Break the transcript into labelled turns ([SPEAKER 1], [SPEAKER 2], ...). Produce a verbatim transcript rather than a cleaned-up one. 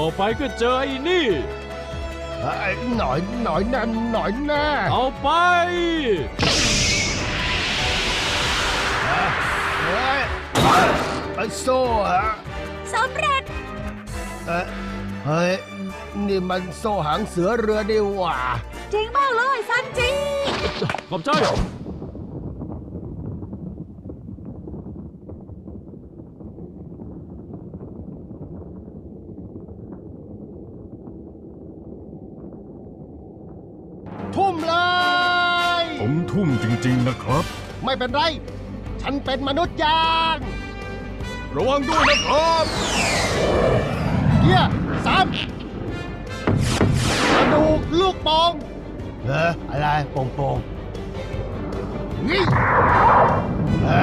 [SPEAKER 1] อไปก็เจอไอ้นี่
[SPEAKER 2] หน่อยหน่อยแน่หน่อยแน่
[SPEAKER 1] เอาไป
[SPEAKER 2] เฮ้ยไอ้โซ่ฮะ
[SPEAKER 3] สำเร็จ
[SPEAKER 2] เอ้ยเฮ้ยนี่มันโซ่หางเสือเรือดีหว่า
[SPEAKER 3] จริงมากเลยซันจิ
[SPEAKER 1] ขอบใจ
[SPEAKER 2] ทุ่มเลย
[SPEAKER 4] ผมทุ่มจริงๆนะครับ
[SPEAKER 2] ไม่เป็นไร ฉันเป็นมนุษย์ยาง
[SPEAKER 4] ระวังด้วยนะครับ
[SPEAKER 2] เกียร์สามกระดูกลูกโป่งเอออะไรโป่งโป่งนี่